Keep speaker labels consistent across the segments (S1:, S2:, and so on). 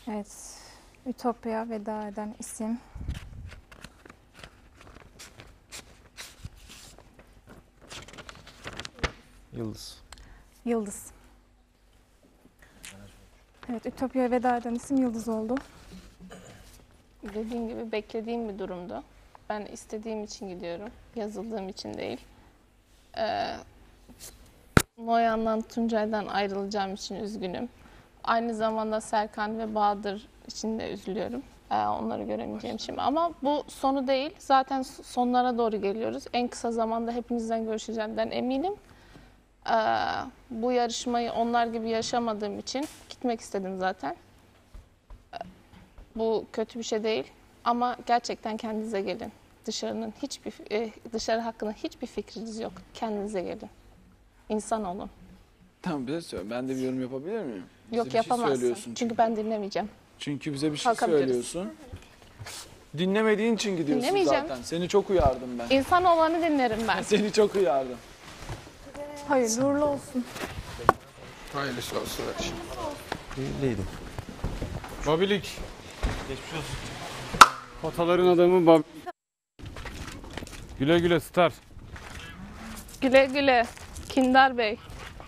S1: Evet. Ütopya veda eden isim.
S2: Yıldız.
S1: Yıldız. Evet, Ütopya'ya veda eden isim Yıldız oldu.
S3: Dediğim gibi beklediğim bir durumdu. Ben istediğim için gidiyorum. Yazıldığım için değil. Noyan'dan, Tuncay'dan ayrılacağım için üzgünüm. Aynı zamanda Serkan ve Bahadır için de üzülüyorum. Onları göremeyeceğim şimdi. Ama bu sonu değil. Zaten sonlara doğru geliyoruz. En kısa zamanda hepinizden görüşeceğimden eminim. Bu yarışmayı onlar gibi yaşamadığım için gitmek istedim zaten. Bu kötü bir şey değil. Ama gerçekten kendinize gelin. Dışarı hakkında hiçbir fikriniz yok. Kendinize gelin. İnsan olun.
S4: Tamam, bize söyle. Ben de bir yorum yapabilir miyim? Bize
S3: Yok,
S4: bir şey
S3: yapamazsın.
S4: söylüyorsun
S3: Çünkü ben dinlemeyeceğim.
S4: Çünkü bize bir şey
S3: Kalkabiliriz.
S4: söylüyorsun. Dinlemediğin için gidiyorsun
S3: Dinlemeyeceğim.
S4: zaten. Seni çok uyardım ben.
S3: İnsan olanı dinlerim ben.
S4: Seni çok uyardım.
S1: Hayırlı uğurlu olsun.
S5: Hayırlısı olsun.
S2: Değildim.
S5: Babilik. Geçmiş olsun. Potaların adamı Bab. Güle güle Star.
S3: Güle güle. Kindar Bey.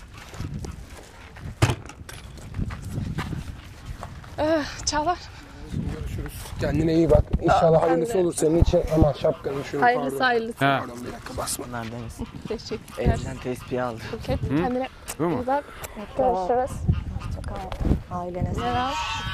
S3: Çağlar.
S6: Görüşürüz. Kendine iyi bak. İnşallah hayırlısı olur senin için. Aman şapkanı şunu
S3: Hayırlısı
S6: pardon.
S3: hayırlısı.
S5: Ha.
S6: Pardon, bir dakika basma.
S2: Bunlar deniz.
S3: Teşekkürler.
S2: Evden tespihi aldı.
S3: Buket, kendine
S5: Bu mu?
S3: iyi bak. Görüşürüz.
S7: Ailene
S3: Merhaba.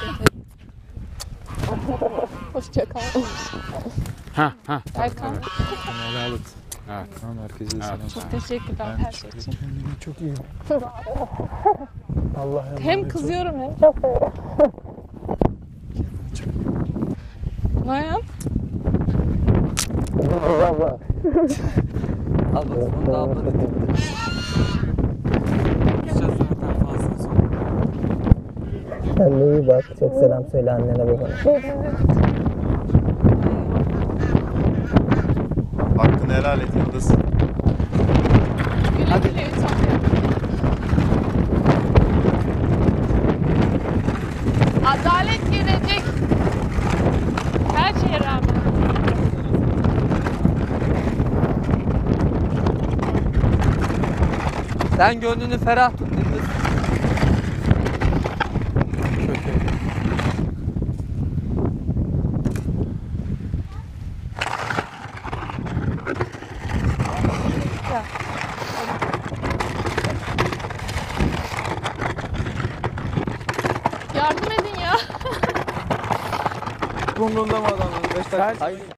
S3: Hoşça kal.
S5: Ha.
S3: Erkan.
S2: Helal et.
S5: Evet.
S2: Tamam, herkese selam.
S3: Çok teşekkürler her şey için.
S6: Kendine çok iyi bak. Allah emanet
S3: Hem
S6: ol.
S3: kızıyorum hem çok seviyorum. Noyan.
S2: Al bak, onu da abla dedi. Gideceğiz zaten fazla sonra.
S7: Kendine iyi bak. Çok selam söyle annene babana.
S8: Hakkını helal et Yıldız.
S3: Güle güle Ütopya. Adalet gelecek. Her şeye rağmen.
S2: Sen gönlünü ferah tut Yıldız.
S3: Yardım edin ya.
S4: Umrunda mı adamın? 5 dakika.